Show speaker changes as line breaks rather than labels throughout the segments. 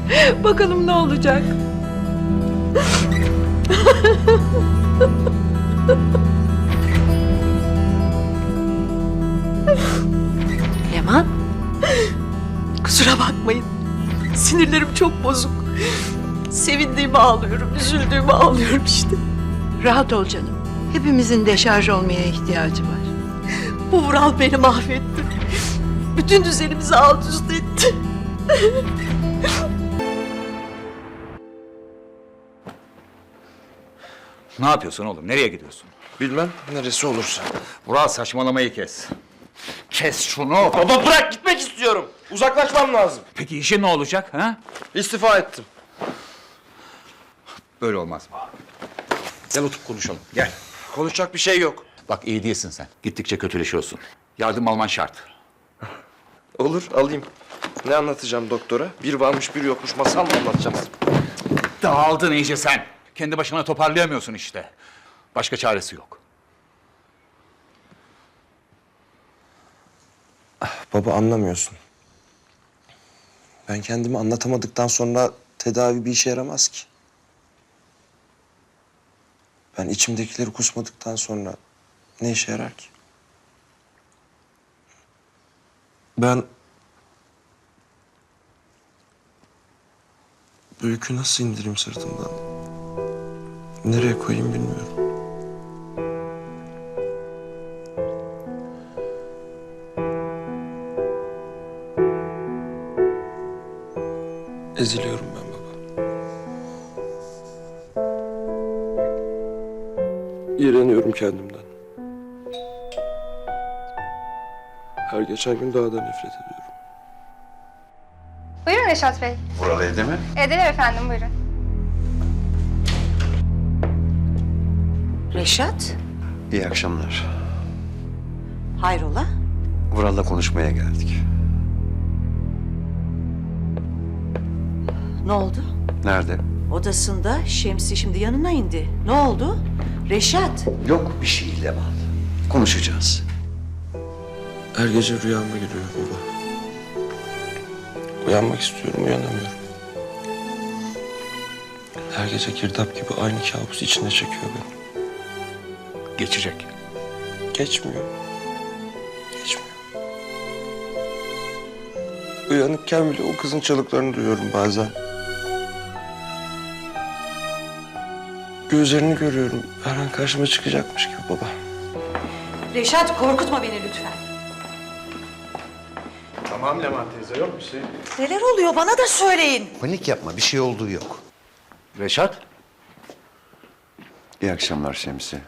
Bakalım ne olacak?
Leman,
Kusura bakmayın. Sinirlerim çok bozuk. Sevindiğimi ağlıyorum, üzüldüğümü ağlıyorum işte.
rahat ol canım. Hepimizin deşarj olmaya ihtiyacı var.
Bu Vural beni mahvetti. Bütün düzenimizi alt üst etti.
Ne yapıyorsun oğlum? Nereye gidiyorsun?
Bilmem neresi olursa.
Vural saçmalamayı kes. Kes şunu.
Baba bırak gitmek istiyorum. Uzaklaşmam lazım.
Peki işin ne olacak ha?
İstifa ettim.
Böyle olmaz mı? Gel oturup konuşalım. Gel.
Konuşacak bir şey yok.
Bak iyi değilsin sen. Gittikçe kötüleşiyorsun. Yardım alman şart.
Olur alayım. Ne anlatacağım doktora? Bir varmış bir yokmuş masal mı anlatacağım?
Dağıldın iyice sen. Kendi başına toparlayamıyorsun işte. Başka çaresi yok.
Baba anlamıyorsun. Ben kendimi anlatamadıktan sonra tedavi bir işe yaramaz ki. Ben içimdekileri kusmadıktan sonra ne işe yarar ki? Ben bu yükü nasıl indireyim sırtımdan? Nereye koyayım bilmiyorum. Eziliyorum ben baba. İğreniyorum kendimden. Her geçen gün daha da nefret ediyorum.
Buyurun Reşat Bey.
Vural evde mi?
Evdeler efendim, buyurun.
Reşat,
İyi akşamlar.
hayrola?
Vural'la konuşmaya geldik.
Ne oldu?
Nerede?
Odasında, Şemsi şimdi yanına indi. Ne oldu? Reşat,
Yok bir şey Leman. Konuşacağız.
Her gece rüyama giriyor baba. Uyanmak istiyorum, uyanamıyorum. Her gece girdap gibi aynı kabus içinde çekiyor beni.
Geçecek.
Geçmiyor. Geçmiyor. Uyanıkken bile o kızın çalıklarını duyuyorum bazen. Gözlerini görüyorum. Her an karşıma çıkacakmış gibi baba.
Reşat korkutma beni lütfen.
Tamam Leman teyze, yok bir şey.
Neler oluyor bana da söyleyin.
Panik yapma, bir şey olduğu yok.
Reşat.
İyi akşamlar Şemsi.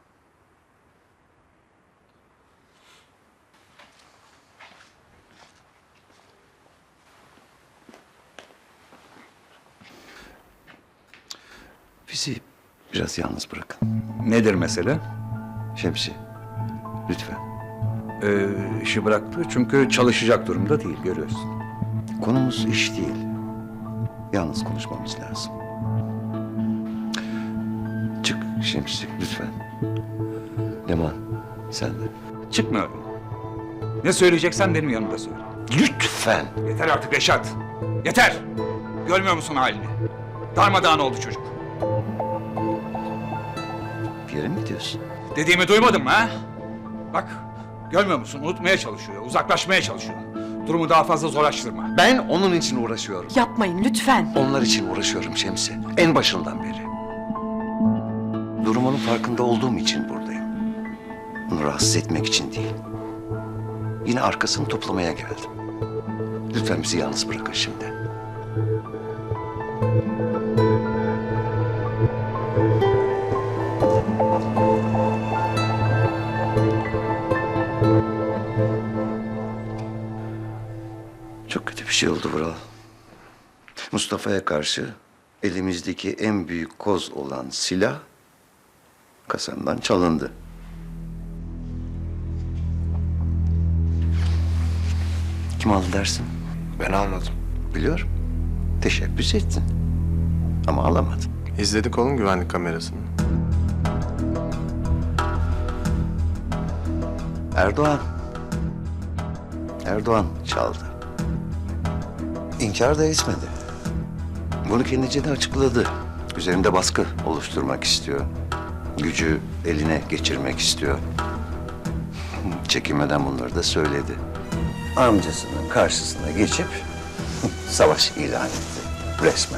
Bizi biraz yalnız bırakın.
Nedir mesele?
Şemsi, lütfen.
İşi bıraktı çünkü çalışacak durumda değil, görüyorsun.
Konumuz iş değil. Yalnız konuşmamız lazım. Çık Şemsi, lütfen. Leman, sen de.
Çıkmıyorum. Ne söyleyeceksen benim yanımda söyle.
Lütfen.
Yeter artık Reşat. Yeter. Görmüyor musun halini? Darmadağın oldu çocuk.
Bir yere mi gidiyorsun?
Dediğimi duymadın mı ha? Bak, görmüyor musun? Unutmaya çalışıyor, uzaklaşmaya çalışıyor. Durumu daha fazla zorlaştırma.
Ben onun için uğraşıyorum.
Yapmayın lütfen.
Onlar için uğraşıyorum Şemsi. En başından beri. Durumunun farkında olduğum için buradayım. Onu rahatsız etmek için değil. Yine arkasını toplamaya geldim. Lütfen bizi yalnız bırakın şimdi. Çok kötü bir şey oldu Vural. Mustafa'ya karşı elimizdeki en büyük koz olan silah kasamdan çalındı. Kim aldı dersin?
Ben almadım.
Biliyorum. Teşebbüs ettin. Ama alamadın.
İzledik oğlum güvenlik kamerasını.
Erdoğan. Erdoğan çaldı. İnkar da etmedi. Bunu kendince de açıkladı. Üzerinde baskı oluşturmak istiyor. Gücü eline geçirmek istiyor. Çekinmeden bunları da söyledi. Amcasının karşısına geçip savaş ilan etti resmen.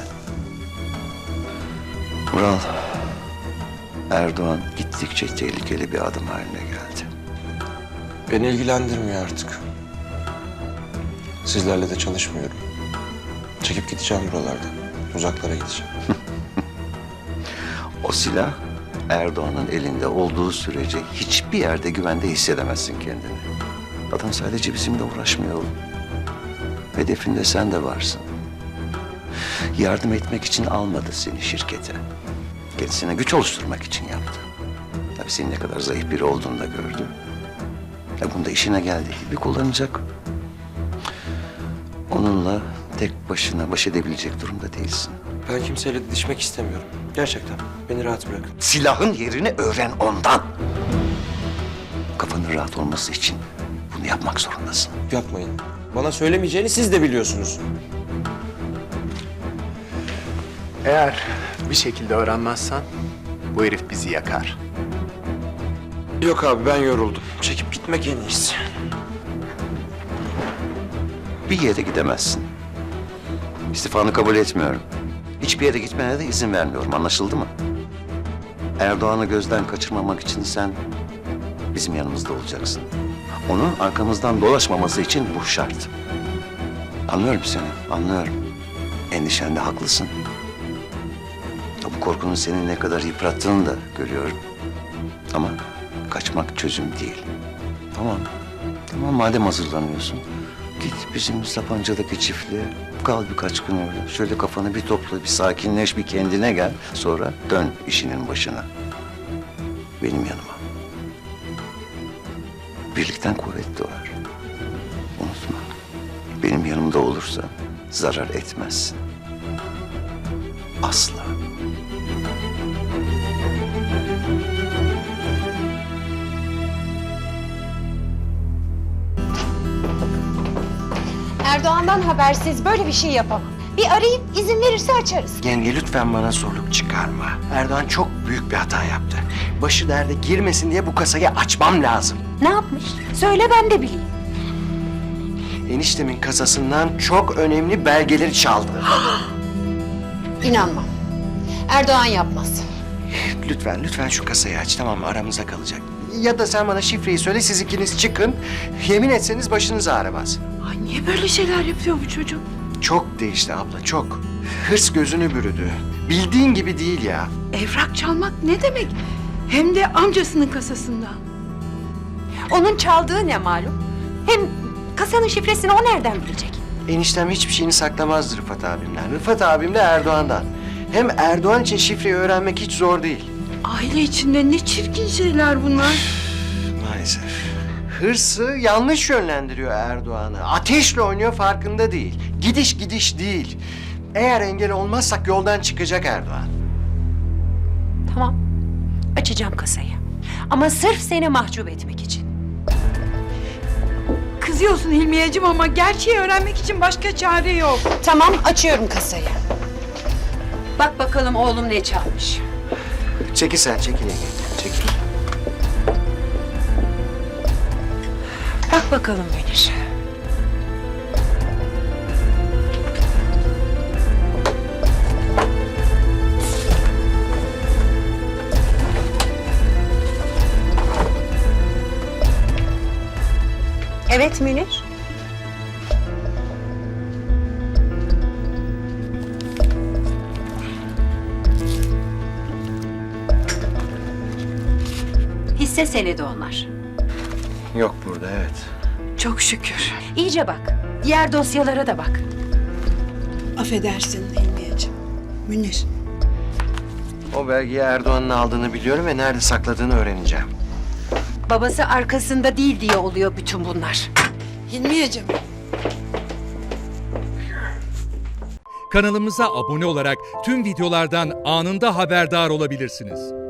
Vural, Erdoğan gittikçe tehlikeli bir adım haline geldi.
Beni ilgilendirmiyor artık. Sizlerle de çalışmıyorum. Çekip gideceğim buralardan. Uzaklara gideceğim.
O silah Erdoğan'ın elinde olduğu sürece hiçbir yerde güvende hissedemezsin kendini. Adam sadece bizimle uğraşmıyor oğlum. Hedefinde sen de varsın. Yardım etmek için almadı seni şirkete. Kendisine güç oluşturmak için yaptı. Tabii senin ne kadar zayıf biri olduğunu da gördü. Bunu da işine geldiği gibi kullanacak. Onunla tek başına baş edebilecek durumda değilsin.
Ben kimseyle didişmek istemiyorum. Gerçekten. Beni rahat bırakın.
Silahın yerini öğren ondan. Kafanın rahat olması için bunu yapmak zorundasın.
Yapmayın. Bana söylemeyeceğini siz de biliyorsunuz.
Eğer bir şekilde öğrenmezsen bu herif bizi yakar.
Yok abi ben yoruldum. Çekip gitmek en iyisi.
Bir yere gidemezsin. İstifanı kabul etmiyorum. Hiçbir yere gitmene de izin vermiyorum. Anlaşıldı mı? Erdoğan'ı gözden kaçırmamak için sen bizim yanımızda olacaksın. Onun arkamızdan dolaşmaması için bu şart. Anlıyorum seni, anlıyorum. Endişende haklısın. Bu korkunun seni ne kadar yıprattığını da görüyorum. Ama kaçmak çözüm değil. Tamam, tamam madem hazırlanıyorsun. Git bizim Sapanca'daki çiftliğe. Kal birkaç gün orada. Şöyle kafanı bir topla, bir sakinleş, bir kendine gel. Sonra dön işinin başına. Benim yanıma. Birlikten kuvvet doğar. Unutma. Benim yanımda olursa zarar etmezsin. Asla.
Erdoğan'dan habersiz böyle bir şey yapamam. Bir arayıp izin verirse açarız.
Yenge lütfen bana zorluk çıkarma. Erdoğan çok büyük bir hata yaptı. Başı derde girmesin diye bu kasayı açmam lazım.
Ne yapmış? Söyle ben de bileyim.
Eniştemin kasasından çok önemli belgeleri çaldı.
İnanmam. Erdoğan yapmaz.
Lütfen şu kasayı aç, tamam mı? Aramıza kalacak. Ya da sen bana şifreyi söyle, siz ikiniz çıkın. Yemin etseniz başınız ağrımaz.
Ay niye böyle şeyler yapıyor bu çocuk?
Çok değişti abla, çok. Hırs gözünü bürüdü. Bildiğin gibi değil ya.
Evrak çalmak ne demek? Hem de amcasının kasasından.
Onun çaldığı ne malum? Hem kasanın şifresini o nereden bilecek?
Eniştem hiçbir şeyini saklamazdı Rıfat abimden. Rıfat abim de Erdoğan'dan. Hem Erdoğan için şifreyi öğrenmek hiç zor değil.
Aile içinde ne çirkin şeyler bunlar.
Maalesef. Hırsı yanlış yönlendiriyor Erdoğan'ı. Ateşle oynuyor, farkında değil. Gidiş değil. Eğer engel olmazsak yoldan çıkacak Erdoğan.
Tamam. Açacağım kasayı. Ama sırf seni mahcup etmek için.
Kızıyorsun Hilmiyeciğim ama gerçeği öğrenmek için başka çare yok.
Tamam, açıyorum kasayı. Bak bakalım oğlum ne çalmış.
Çekil sen, çekil Ege. Çekil.
Bak bakalım Münir. Evet Münir. Hisse senedi onlar.
Yok burada, evet.
Çok şükür.
İyice bak. Diğer dosyalara da bak.
Affedersin Hilmiyeciğim. Münir.
O belgeyi Erdoğan'ın aldığını biliyorum ve nerede sakladığını öğreneceğim.
Babası arkasında değil diye oluyor bütün bunlar.
Hilmiyeciğim.
Kanalımıza abone olarak tüm videolardan anında haberdar olabilirsiniz.